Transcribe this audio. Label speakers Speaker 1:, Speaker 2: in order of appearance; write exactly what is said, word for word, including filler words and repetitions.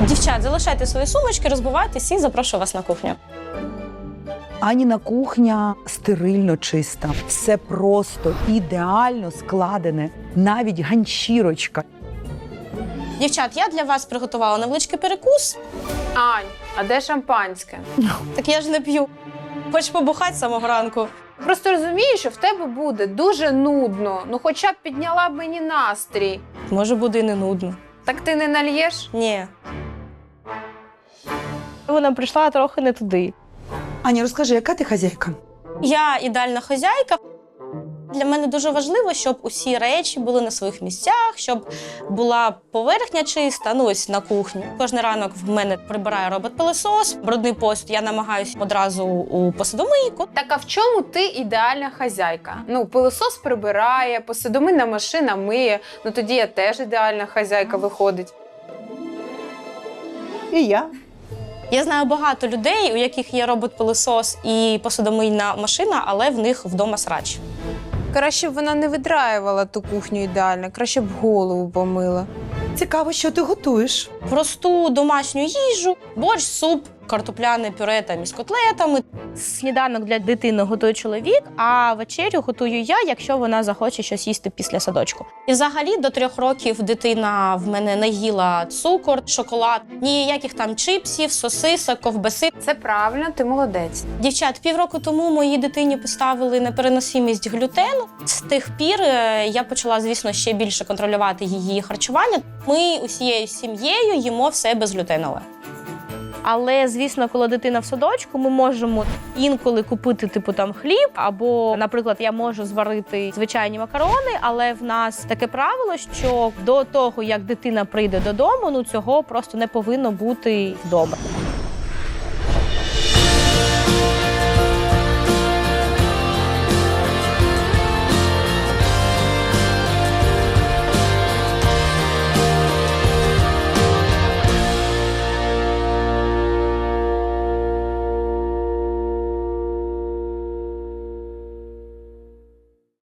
Speaker 1: Дівчат, залишайте свої сумочки, розбивайтесь і запрошую вас на кухню.
Speaker 2: Аніна кухня стерильно чиста. Все просто, ідеально складене. Навіть ганчірочка.
Speaker 1: Дівчат, я для вас приготувала невеличкий перекус.
Speaker 3: Ань, а де шампанське?
Speaker 1: Так я ж не п'ю. Хоч побухати з самого ранку.
Speaker 3: Просто розумієш, що в тебе буде дуже нудно. Ну хоча б підняла б мені настрій.
Speaker 1: Може, буде і не нудно.
Speaker 3: Так ти не нальєш?
Speaker 1: Ні. Вона прийшла трохи не туди.
Speaker 2: Аня, розкажи, яка ти хазяйка?
Speaker 1: Я ідеальна хазяйка. Для мене дуже важливо, щоб усі речі були на своїх місцях, щоб була поверхня чиста, ну ось на кухні. Кожен ранок в мене прибирає робот-пилосос, брудний посуд я намагаюся одразу у посудомийку.
Speaker 3: Так а в чому ти ідеальна хазяйка? Ну, пилосос прибирає, посудомийна машина миє. Ну тоді я теж ідеальна хазяйка виходить.
Speaker 2: І я.
Speaker 1: Я знаю багато людей, у яких є робот-пилосос і посудомийна машина, але в них вдома срач.
Speaker 3: Краще б вона не видраювала ту кухню ідеально, краще б голову помила.
Speaker 2: Цікаво, що ти готуєш.
Speaker 1: Просту домашню їжу, борщ, суп, картопляне пюре там із котлетами. Сніданок для дитини готує чоловік, а вечерю готую я, якщо вона захоче щось їсти після садочку. І взагалі до трьох років дитина в мене не їла цукор, шоколад, ніяких там чипсів, сосисок, ковбаси.
Speaker 3: Це правильно, ти молодець.
Speaker 1: Дівчат, півроку тому моїй дитині поставили непереносимість глютену. З тих пір я почала, звісно, ще більше контролювати її харчування. Ми усією сім'єю їмо все безглютенове. Але, звісно, коли дитина в садочку, ми можемо інколи купити типу там хліб, або, наприклад, я можу зварити звичайні макарони, але в нас таке правило, що до того, як дитина прийде додому, ну цього просто не повинно бути вдома.